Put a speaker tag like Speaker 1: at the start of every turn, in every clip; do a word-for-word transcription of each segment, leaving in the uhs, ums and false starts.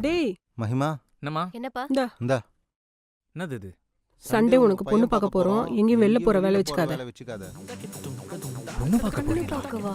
Speaker 1: டேய்
Speaker 2: மகிமா
Speaker 3: என்னம்மா
Speaker 4: என்னப்பா
Speaker 2: இந்தா
Speaker 3: என்னது இது
Speaker 1: சண்டே உனக்கு பொண்ணு பார்க்க போறோம். எங்கேயும் வெளில போற வேலை வச்சுக்காத.
Speaker 2: வேலை வச்சுக்காத.
Speaker 3: பொண்ணு பார்க்க
Speaker 4: கண்ணு
Speaker 3: போறீங்களா?
Speaker 4: பார்க்கவா?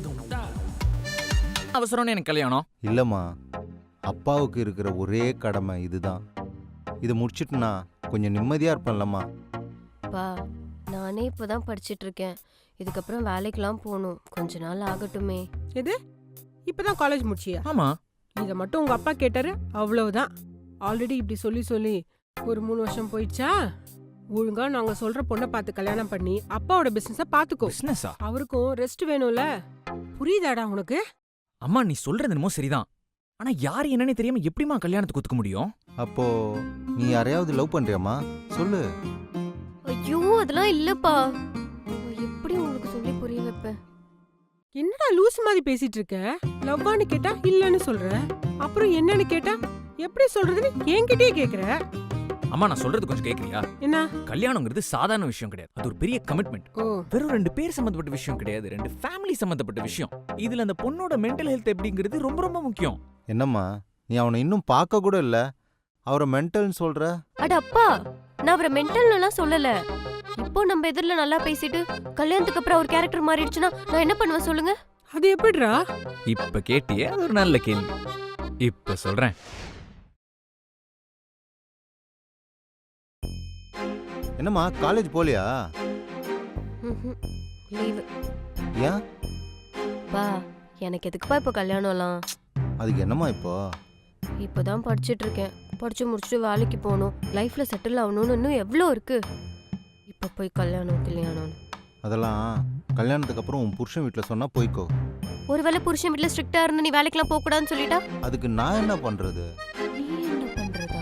Speaker 3: அவசரம்னு எனக்கு கல்யாணம்.
Speaker 2: இல்லம்மா, அப்பாவுக்கு இருக்கிற ஒரே கடமை இதுதான். இதை முடிச்சிட்டுனா கொஞ்சம் நிம்மதியா இருப்பேன்லம்மா.
Speaker 4: பா நானே இப்பதான் படிச்சிட்டு இருக்கேன். இதுக்கப்புறம் வேலைக்கெல்லாம் போகணும். கொஞ்ச நாள் ஆகட்டுமே.
Speaker 1: எது இப்பதான் காலேஜ் முடிச்சியா?
Speaker 3: ஆமா.
Speaker 1: இத மட்டும் உங்க அப்பா கேட்டாரு, அவ்வளவுதான். ஆல்ரெடி இப்படி சொல்லி சொல்லி ஒரு மூணு வருஷம் போயிடுச்சா? ஒழுங்கா நாங்க சொல்ற பொண்ணை பார்த்து கல்யாணம் பண்ணி அப்பாவோட பிசினஸ பாத்துக்கோ.
Speaker 3: பிசினஸா?
Speaker 1: அவருக்கும் ரெஸ்ட் வேணும்ல. புரியுதாடா உனக்கு?
Speaker 3: அம்மா நீ சொல்றது என்னமோ சரிதான். ஆனா யாரு என்னன்னு தெரியாம எப்படிமா கல்யாணத்துக்கு ஒத்துக்க முடியும்?
Speaker 2: அப்போ நீ யாரையாவது லவ் பண்றியாம்மா? சொல்லு.
Speaker 4: ஐயோ அதெல்லாம் இல்லப்பா. எப்படி உங்களுக்கு சொல்லி புரிய வைப்பேன்?
Speaker 1: என்னடா லூஸ் மாதிரி பேசிட்டு இருக்க? லவ்வான்னு கேட்டா இல்லன்னு சொல்ற. அப்புறம் என்னன்னு கேட்டா எப்படி சொல்றதுன்னு என்கிட்டயே கேக்குற.
Speaker 3: அம்மா நான் சொல்றது கொஞ்சம் கேக்குறியா?
Speaker 1: என்ன?
Speaker 3: கல்யாணங்கிறது சாதாரண விஷயம் கிடையாது. அது ஒரு பெரிய கமிட்மெண்ட்.
Speaker 1: ஓ
Speaker 3: வெறும் ரெண்டு பேர் சம்பந்தப்பட்ட விஷயம் கிடையாது. ரெண்டு ஃபேமிலி சம்பந்தப்பட்ட விஷயம். இதுல அந்த பொண்ணோட மென்டல் ஹெல்த் எப்படிங்கிறது ரொம்ப ரொம்ப முக்கியம்.
Speaker 2: என்னம்மா, நீ அவனை இன்னும் பார்க்க கூட இல்ல, அவரை மென்டல்னு சொல்ற?
Speaker 4: அட அப்பா, நான் அவரை மென்டல்னுலாம் சொல்லல. இப்போ நம்ம எதிரில நல்லா பேசிட்டு கல்யாணத்துக்கு அப்புறம் ஒரு கேரக்டர் மாறிடுச்சுன்னா நான் என்ன பண்ணுவேன் சொல்லுங்க?
Speaker 1: அது எப்படிடா?
Speaker 3: இப்ப கேட்டியே, அது ஒரு நல்ல கேள்வி. இப்ப சொல்றேன்.
Speaker 2: என்னம்மா காலேஜ் போலியா?
Speaker 4: லீவு.
Speaker 2: ஏன்?
Speaker 4: பா எனக்கு எதுக்குப்பா இப்போ கல்யாணம்லாம்?
Speaker 2: அதுக்கு என்னம்மா இப்போ?
Speaker 4: இப்போதான் படிச்சுட்டு இருக்கேன். படிச்சு முடிச்சுட்டு வேலைக்கு போகணும். லைஃப்ல செட்டில் ஆகணும்னு இன்னும் எவ்வளோ இருக்கு. இப்போ போய் கல்யாணம் கல்யாணம்
Speaker 2: அதெல்லாம் கல்யாணத்துக்கு அப்புறம் உன் புருஷன் வீட்டில் சொன்னா போய்க்கோ.
Speaker 4: ஒருவேளை புருஷன் வீட்டில் ஸ்ட்ரிக்டா இருந்து நீ வேலைக்கெல்லாம் போக கூடாதுன்னு சொல்லிட்டா
Speaker 2: அதுக்கு நான் என்ன பண்றது?
Speaker 4: நீ என்ன பண்றதா?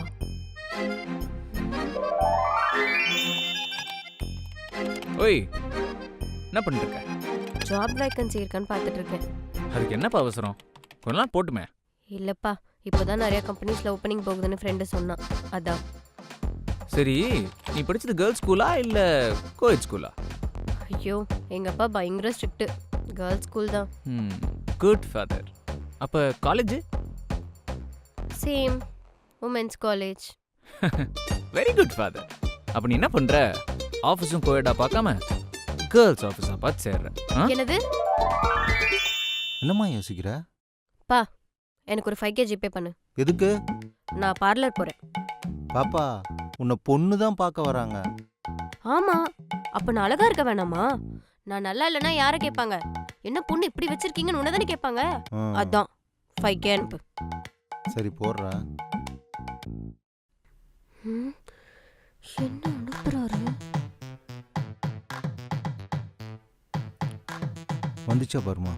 Speaker 3: ஓய், என்ன பண்ணிட்டு இருக்க?
Speaker 4: ஜாப் வேகன்சி இருக்கான்னு பார்த்துட்டு இருக்கேன்.
Speaker 3: அதுக்கு என்னப்பா அவசரம்? கொஞ்ச நாள் போட்டுமே.
Speaker 4: இல்லப்பா, இப்போதான் நிறைய கம்பெனிஸ்ல ஓப்பனிங் போகுதுன்னு ஃப்ரெண்டு சொன்னான். அதான்.
Speaker 3: சரி, நீ படிச்சது கேர்ள்ஸ் ஸ்கூலா இல்ல கோயட் ஸ்கூலா?
Speaker 4: ஐயோ எங்க அப்பா பயங்கர ஸ்ட்ரிக்ட். கேர்ள்ஸ் ஸ்கூல் தான்.
Speaker 3: ம், குட் ஃபாதர். அப்ப college?
Speaker 4: Same, women's college.
Speaker 3: Very good father. அப்ப நீ என்ன பண்ற? ஆஃபீஸும் கோயடா பார்க்காம கேர்ள்ஸ் ஆஃபீஸா பார்த்து சேர்ற.
Speaker 4: என்னது?
Speaker 2: என்னம்மா யோசிக்கிற?
Speaker 4: பா எனக்கு ஒரு ஃபைவ் கே ஜிபே பண்ணு.
Speaker 2: எதுக்கு?
Speaker 4: நான் பார்லர் போறேன்.
Speaker 2: பாப்பா, உன்னை பொண்ணு தான் பார்க்க வராங்க.
Speaker 4: ஆமா, அப்ப நான் அழகா இருக்க வேணாமா? நான் நல்லா இல்லைன்னா யாரை கேட்பாங்க? என்ன பொண்ணு இப்படி வச்சிருக்கீங்கன்னு உன்னதானே கேட்பாங்க.
Speaker 2: ம்.
Speaker 4: அதான் ஃபைவ் கே அனுப்பு.
Speaker 2: சரி போடுறேன்.
Speaker 4: ம், என்ன அனுப்புறாரு?
Speaker 2: வந்துச்சா பாருமா.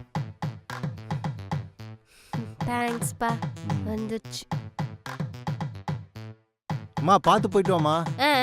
Speaker 4: தேங்க்ஸ் பா.
Speaker 2: ம்.
Speaker 4: வந்துச்சு.
Speaker 2: அம்மா பார்த்து போயிட்டு வாமா.
Speaker 4: ஆ